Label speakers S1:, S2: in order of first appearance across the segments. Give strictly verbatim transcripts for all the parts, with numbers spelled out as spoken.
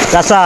S1: চাচা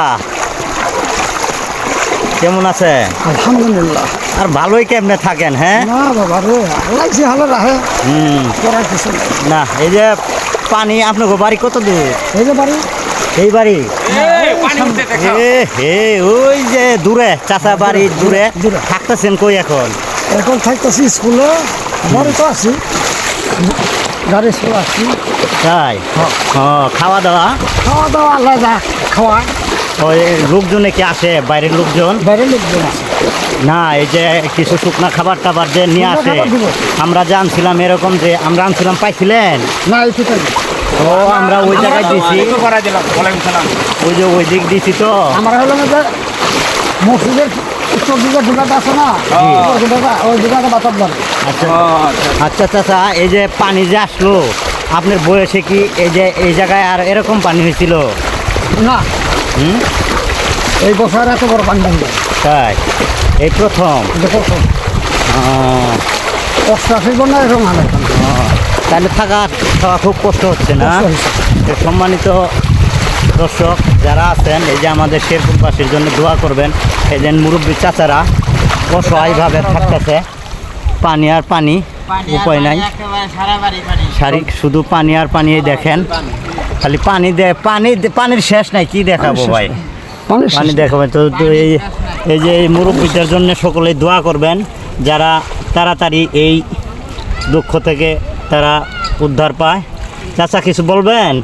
S1: কেমন আছে?
S2: আলহামদুলিল্লাহ।
S1: আর ভালোই কেমনে থাকেন? হ্যাঁ
S2: না বাবা রে, আল্লাহ যে হালে রাখে
S1: হুম
S2: করার কিছু নেই।
S1: না এই যে পানি আপনার বাড়ি কত দূর?
S2: এই যে বাড়ি
S1: এই বাড়ি এ হে ওই যে দূরে চাচা বাড়ি দূরে
S2: দূরে।
S1: থাকতেছেন কই এখন?
S2: এখন থাকতেছি স্কুলে, বাড়ি তো আছি, গাড়ি স্কুল আসছি।
S1: তাই
S2: হ্যাঁ।
S1: ও খাওয়া দাওয়া
S2: খাওয়া দাওয়া আল্লাহ যা খাওয়া,
S1: ওই লোকজনে কি আসে বাইরের লোকজন?
S2: বাইরের লোকজন আছে।
S1: না এই যে কিছু শুকনা খাবার টাবার যে নিয়ে
S2: শুকনা
S1: আসে
S2: খাবার দিব।
S1: আমরা জানছিলাম এরকম যে আমরা আনছিলাম পাইছিলেন?
S2: না এই তো তাই।
S1: ও আমরা ওই জায়গায় দিছি, ওই যে ওই দিক দিছি তো।
S2: আমরা হলো যে মসজিদের উত্তর দিকে ঢুকাটা আছে না, ওই ঢুকাটা ওই ঢুকাটা বাতাব বাড়ি।
S1: আচ্ছা আচ্ছা চাচা এই যে পানি যে আসলো আপনার বয়সে কি এই যে এই জায়গায় আর এরকম পানি হয়েছিল?
S2: না
S1: হুম
S2: এই বছর এত বড় পানি ভাঙবে
S1: তাই এই প্রথম?
S2: দেখো তো
S1: আহ,
S2: অষ্টাশির বন্যা এরকম হালে
S1: আহ, তাহলে থাকা থাকা খুব কষ্ট হচ্ছে না?
S2: কষ্ট হয়েছে।
S1: তো সম্মানিত দর্শক যারা আছেন এই যে আমাদের শেরপুরবাসীর জন্য দোয়া করবেন। এই যে মুরব্বী চাচারা অসহায়ভাবে থাকতেছে, পানি আর পানি, উপায় নাই, সারি শুধু পানি আর পানি। এই দেখেন খালি পানি দে পানি দে- পানির শেষ নাই, কি দেখাবো ভাই,
S2: পানি
S1: পানি দেখাবেন তো। তো এই এই যে এই মুরব্বীদের জন্য সকলেই দোয়া করবেন, যারা তাড়াতাড়ি এই দুঃখ থেকে তারা উদ্ধার পায়। চাচা কিছু বলবেন?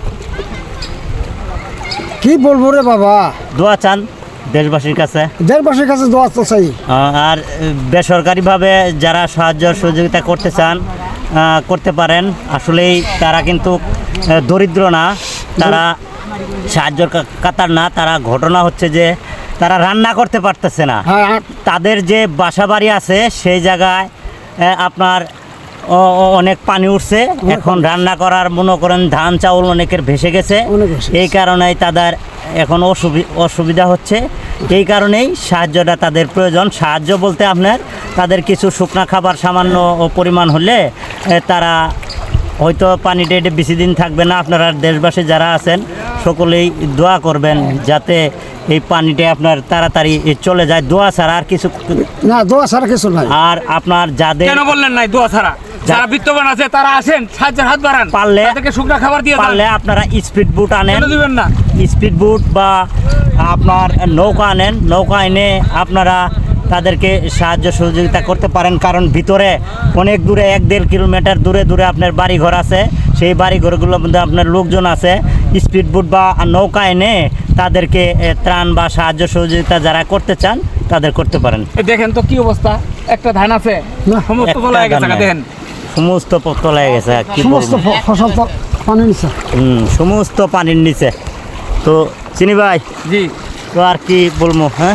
S2: কি বলবো রে বাবা,
S1: দোয়া চান দেশবাসীর কাছে?
S2: দেশবাসীর কাছে দোয়া তো চাই।
S1: আহ, আর বেসরকারিভাবে যারা সাহায্য সহযোগিতা করতে চান আহ, করতে পারেন। আসলেই তারা কিন্তু আহ, দরিদ্র না, তারা সাহায্যর কা- কাতার না। তারা ঘটনা হচ্ছে যে তারা রান্না করতে পারতেছে না।
S2: হ্যাঁ
S1: তাদের যে বাসা বাড়ি আছে সেই জায়গায় আহ, আপনার অ- অ- অনেক পানি উঠছে, এখন রান্না করার মনে করেন ধান চাউল অনেকের ভেসে গেছে।
S2: অনেক ভেসে
S1: এই কারণেই তাদের এখন অসুবি- অসুবিধা হচ্ছে। এই কারণেই সাহায্যটা তাদের প্রয়োজন। সাহায্য বলতে আপনার তাদের কিছু শুকনা খাবার সামান্য পরিমাণ হলে এ, তারা হয়তো পানিটা এটা বেশি দিন থাকবে না। আপনারা দেশবাসী যারা আছেন সকলেই দোয়া করবেন যাতে এই পানিটা আপনার তাড়াতাড়ি চলে যায়। দোয়া ছাড়া আর কিছু।
S2: না দোয়া ছাড়া কিছু নাই।
S1: আর আপনার যাদের
S3: কেন বললেন নাই দোয়া ছাড়া? যারা বিত্তবান আছে তারা আসেন, সাহায্যের হাত বাড়ান,
S1: পারলে
S3: তাদেরকে শুকনা খাবার দিয়ে
S1: পারলে
S3: দেন।
S1: আপনারা স্পিড বুট আনেন,
S3: কেন দিবেন না?
S1: স্পিড বুট বা আপনার নৌকা আনেন। নৌকা এনে আপনারা তাদেরকে সাহায্য সহযোগিতা করতে পারেন, কারণ ভিতরে অনেক দূরে এক দেড় কিলোমিটার দূরে দূরে আপনার বাড়িঘর আছে। সেই বাড়িঘরগুলোর মধ্যে আপনার লোকজন আছে। স্পিড বুট বা নৌকা এনে তাদেরকে এ, ত্রাণ বা সাহায্য সহযোগিতা যারা করতে চান তাদের করতে পারেন।
S3: এ দেখেন তো কি অবস্থা, একটা ধান আছে
S2: না,
S3: সমস্ত
S1: একটা
S3: তোলা হয়ে গেছে।
S1: ধান নাই।
S3: দেখেন
S1: সমস্ত তলায় গেছে, কি
S2: সমস্ত
S1: বলবো।
S2: ফ- ফসল তো পানি নিচ্ছে।
S1: হুম সমস্ত পানির নিচে। তো চিনি ভাই
S3: জি,
S1: তো আর কি বলবো? হ্যাঁ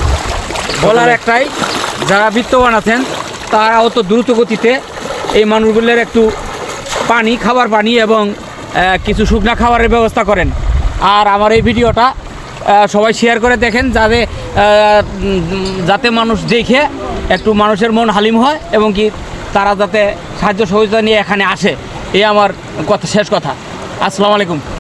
S3: বলার একটাই, যারা বিত্তবান আছেন তারা অত দ্রুত গতিতে এই মানুষগুলোর একটু পানি, খাবার পানি এবং আহ, কিছু শুকনা খাবারের ব্যবস্থা করেন। আর আমার এই ভিডিওটা আহ, সবাই শেয়ার করে দেখেন, যাতে আহ, উম, যাতে মানুষ দেখে একটু মানুষের মন হালিম হয় এবং কি তারা যাতে সাহায্য সহযোগিতা নিয়ে এখানে আসে। এই আমার কথা, শেষ কথা। আসসালামু আলাইকুম।